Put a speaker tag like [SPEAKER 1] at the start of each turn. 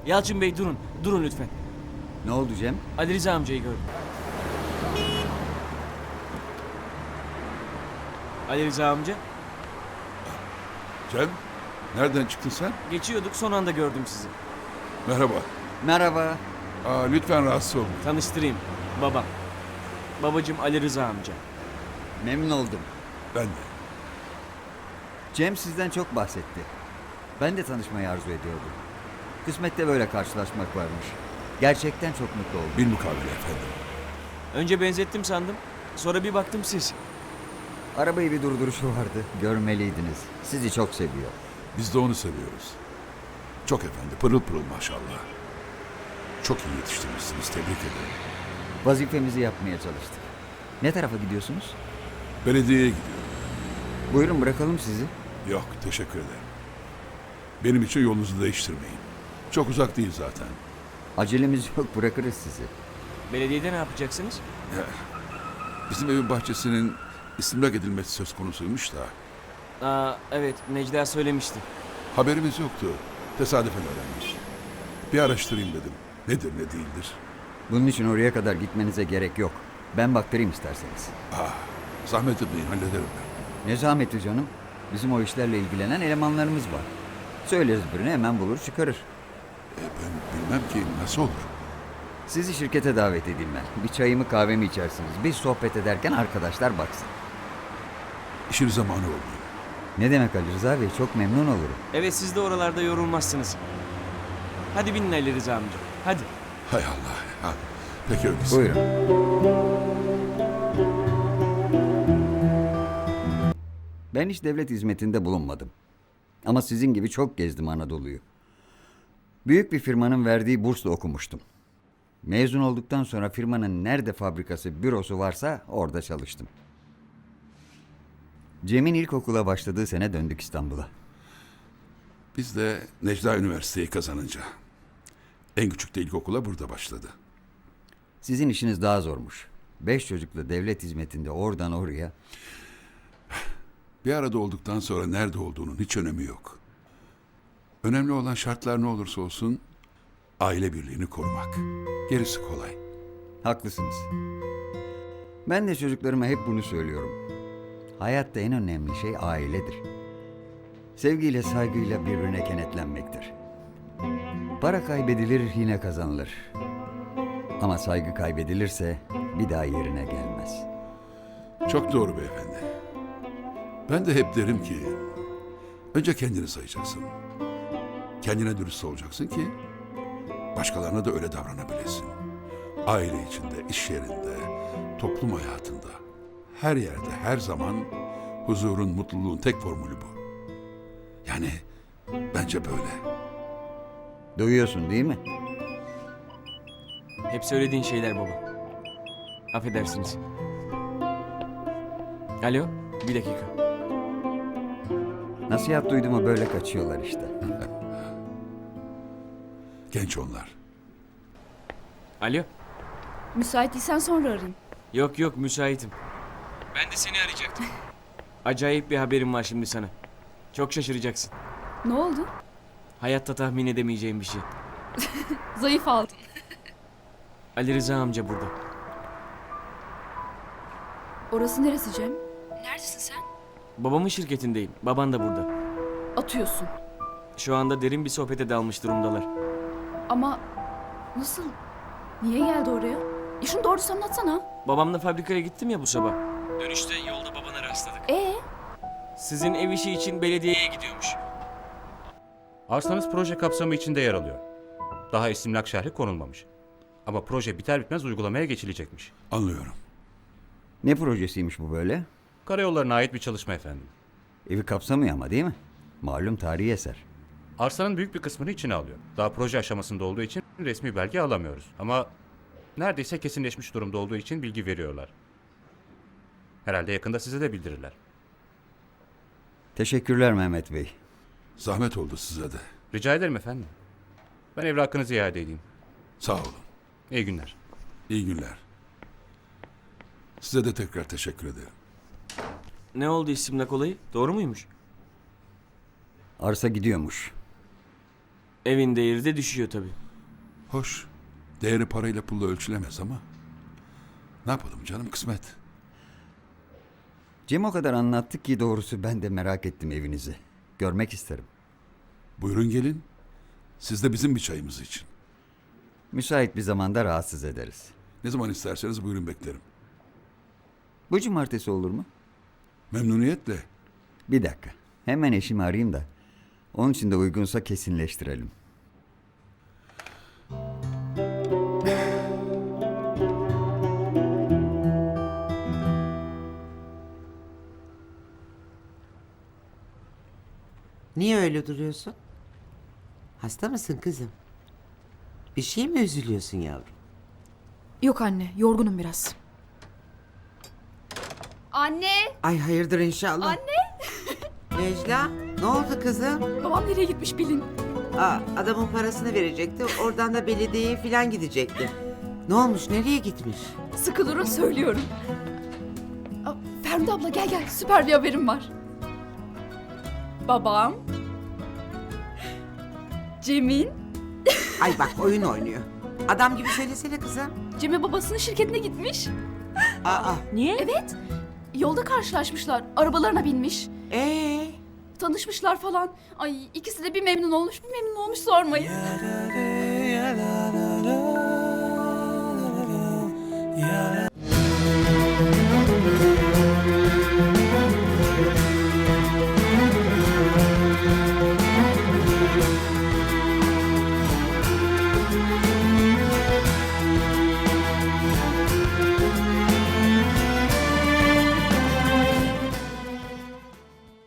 [SPEAKER 1] Yalçın Bey durun. Durun lütfen.
[SPEAKER 2] Ne oldu Cem?
[SPEAKER 1] Ali Rıza amcayı gördüm. Ali Rıza amca.
[SPEAKER 3] Cem, nereden çıktın sen?
[SPEAKER 1] Geçiyorduk, son anda gördüm sizi.
[SPEAKER 3] Merhaba.
[SPEAKER 2] Merhaba.
[SPEAKER 3] Lütfen rahatsız olmayın.
[SPEAKER 1] Tanıştırayım. Babam. Babacığım Ali Rıza amca.
[SPEAKER 2] Memnun oldum.
[SPEAKER 3] Ben de.
[SPEAKER 2] Cem sizden çok bahsetti. Ben de tanışmayı arzu ediyordum. Kısmette böyle karşılaşmak varmış. Gerçekten çok mutlu oldum.
[SPEAKER 3] Bilmukabele efendim.
[SPEAKER 1] Önce benzettim sandım. Sonra bir baktım siz.
[SPEAKER 2] Arabayı bir durduruşu vardı. Görmeliydiniz. Sizi çok seviyor.
[SPEAKER 3] Biz de onu seviyoruz. Çok efendi, pırıl pırıl maşallah. Çok iyi yetiştirmişsiniz, tebrik ederim.
[SPEAKER 2] Vazifemizi yapmaya çalıştık. Ne tarafa gidiyorsunuz?
[SPEAKER 3] Belediyeye gidiyorum.
[SPEAKER 2] Buyurun bırakalım sizi.
[SPEAKER 3] Yok, teşekkür ederim. Benim için yolunuzu değiştirmeyin. Çok uzak değil zaten.
[SPEAKER 2] Acelemiz yok, bırakırız sizi.
[SPEAKER 1] Belediyede ne yapacaksınız?
[SPEAKER 3] Bizim evin bahçesinin istimlak edilmesi söz konusuymuş da.
[SPEAKER 1] Evet, Necla söylemişti.
[SPEAKER 3] Haberimiz yoktu. Tesadüfen öğrenmiş. Bir araştırayım dedim. Nedir ne değildir.
[SPEAKER 2] Bunun için oraya kadar gitmenize gerek yok. Ben baktırayım isterseniz.
[SPEAKER 3] Zahmet etmeyin, hallederim ben.
[SPEAKER 2] Ne zahmeti canım? Bizim o işlerle ilgilenen elemanlarımız var. Söyleriz birine hemen bulur çıkarır.
[SPEAKER 3] Ben bilmem ki nasıl olur.
[SPEAKER 2] Sizi şirkete davet edeyim ben. Bir çayımı kahvemi içersiniz. Biz sohbet ederken arkadaşlar baksın.
[SPEAKER 3] İşin zamanı olmuyor.
[SPEAKER 2] Ne demek Ali Rıza Bey? Çok memnun olurum.
[SPEAKER 1] Evet, siz de oralarda yorulmazsınız. Hadi binin Ali Rıza amca. Hadi.
[SPEAKER 3] Hay Allah. Ha. Peki öyleyse.
[SPEAKER 2] Buyurun. Ben hiç devlet hizmetinde bulunmadım. Ama sizin gibi çok gezdim Anadolu'yu. Büyük bir firmanın verdiği bursla okumuştum. Mezun olduktan sonra firmanın nerede fabrikası, bürosu varsa orada çalıştım. Cem'in ilkokula başladığı sene döndük İstanbul'a.
[SPEAKER 3] Biz de Necla Üniversiteyi kazanınca. En küçük de ilkokula burada başladı.
[SPEAKER 2] Sizin işiniz daha zormuş. 5 çocukla devlet hizmetinde oradan oraya.
[SPEAKER 3] Bir arada olduktan sonra nerede olduğunun hiç önemi yok. Önemli olan şartlar ne olursa olsun aile birliğini korumak. Gerisi kolay.
[SPEAKER 2] Haklısınız. Ben de çocuklarıma hep bunu söylüyorum. Hayatta en önemli şey ailedir. Sevgiyle, saygıyla birbirine kenetlenmektir. Para kaybedilir, yine kazanılır. Ama saygı kaybedilirse bir daha yerine gelmez.
[SPEAKER 3] Çok doğru beyefendi. Ben de hep derim ki önce kendini sayacaksın. Kendine dürüst olacaksın ki başkalarına da öyle davranabilesin. Aile içinde, iş yerinde, toplum hayatında, her yerde, her zaman huzurun, mutluluğun tek formülü bu. Yani bence böyle.
[SPEAKER 2] Duyuyorsun değil mi?
[SPEAKER 1] Hep söylediğin şeyler baba. Affedersiniz. Alo, bir dakika.
[SPEAKER 2] Nasihat duyduğuma böyle kaçıyorlar işte.
[SPEAKER 3] Genç onlar.
[SPEAKER 1] Alo.
[SPEAKER 4] Müsait değilsen sonra arayayım.
[SPEAKER 1] Yok yok, müsaitim. Ben de seni arayacaktım. Acayip bir haberim var şimdi sana. Çok şaşıracaksın.
[SPEAKER 4] Ne oldu?
[SPEAKER 1] Hayatta tahmin edemeyeceğim bir şey.
[SPEAKER 4] Zayıf aldın.
[SPEAKER 1] Ali Rıza amca burada.
[SPEAKER 4] Orası neresi Cem? Neredesin sen?
[SPEAKER 1] Babamın şirketindeyim. Baban da burada.
[SPEAKER 4] Atıyorsun.
[SPEAKER 1] Şu anda derin bir sohbete dalmış durumdalar.
[SPEAKER 4] Ama nasıl? Niye geldi oraya? Şunu doğrusu anlatsana.
[SPEAKER 1] Babamla fabrikaya gittim ya bu sabah. Dönüşte yolda babana rastladık. Sizin ev işi için belediyeye gidiyormuş.
[SPEAKER 5] Arsanız proje kapsamı içinde yer alıyor. Daha istimlak şerhi konulmamış. Ama proje biter bitmez uygulamaya geçilecekmiş.
[SPEAKER 3] Anlıyorum.
[SPEAKER 2] Ne projesiymiş bu böyle?
[SPEAKER 5] Karayollarına ait bir çalışma efendim.
[SPEAKER 2] Evi kapsamıyor ama değil mi? Malum tarihi eser.
[SPEAKER 5] Arsanın büyük bir kısmını içine alıyor. Daha proje aşamasında olduğu için resmi belge alamıyoruz. Ama neredeyse kesinleşmiş durumda olduğu için bilgi veriyorlar. Herhalde yakında size de bildirirler.
[SPEAKER 2] Teşekkürler Mehmet Bey.
[SPEAKER 3] Zahmet oldu size de.
[SPEAKER 5] Rica ederim efendim. Ben evrakınızı iade edeyim.
[SPEAKER 3] Sağ olun.
[SPEAKER 5] İyi günler.
[SPEAKER 3] İyi günler. Size de tekrar teşekkür ederim.
[SPEAKER 1] Ne oldu istimlak olayı? Doğru muymuş?
[SPEAKER 2] Arsa gidiyormuş.
[SPEAKER 1] Evin değeri de düşüyor tabii.
[SPEAKER 3] Hoş. Değeri parayla pulla ölçülemez ama. Ne yapalım canım, kısmet.
[SPEAKER 2] Cem o kadar anlattı ki doğrusu ben de merak ettim evinizi. Görmek isterim.
[SPEAKER 3] Buyurun gelin. Siz de bizim bir çayımız için.
[SPEAKER 2] Müsait bir zamanda rahatsız ederiz.
[SPEAKER 3] Ne zaman isterseniz buyurun, beklerim.
[SPEAKER 2] Bu cumartesi olur mu?
[SPEAKER 3] Memnuniyetle.
[SPEAKER 2] Bir dakika. Hemen eşimi arayayım da. Onun için de uygunsa kesinleştirelim.
[SPEAKER 6] Niye öyle duruyorsun? Hasta mısın kızım? Bir şey mi üzülüyorsun yavrum?
[SPEAKER 4] Yok anne, yorgunum biraz. Anne!
[SPEAKER 6] Ay hayırdır inşallah.
[SPEAKER 4] Anne!
[SPEAKER 6] Necla, ne oldu kızım?
[SPEAKER 4] Babam nereye gitmiş bilin.
[SPEAKER 6] Adamın parasını verecekti. Oradan da belediyeye falan gidecekti. Ne olmuş? Nereye gitmiş?
[SPEAKER 4] Sıkı durun söylüyorum. Feride abla gel süper bir haberim var. Babam... Cem'in...
[SPEAKER 6] Ay bak oyun oynuyor. Adam gibi söylesene kızım.
[SPEAKER 4] Cem'e babasının şirketine gitmiş.
[SPEAKER 6] Niye?
[SPEAKER 4] Evet. Yolda karşılaşmışlar. Arabalarına binmiş. Tanışmışlar falan. Ay ikisi de bir memnun olmuş sormayın.
[SPEAKER 7] Ya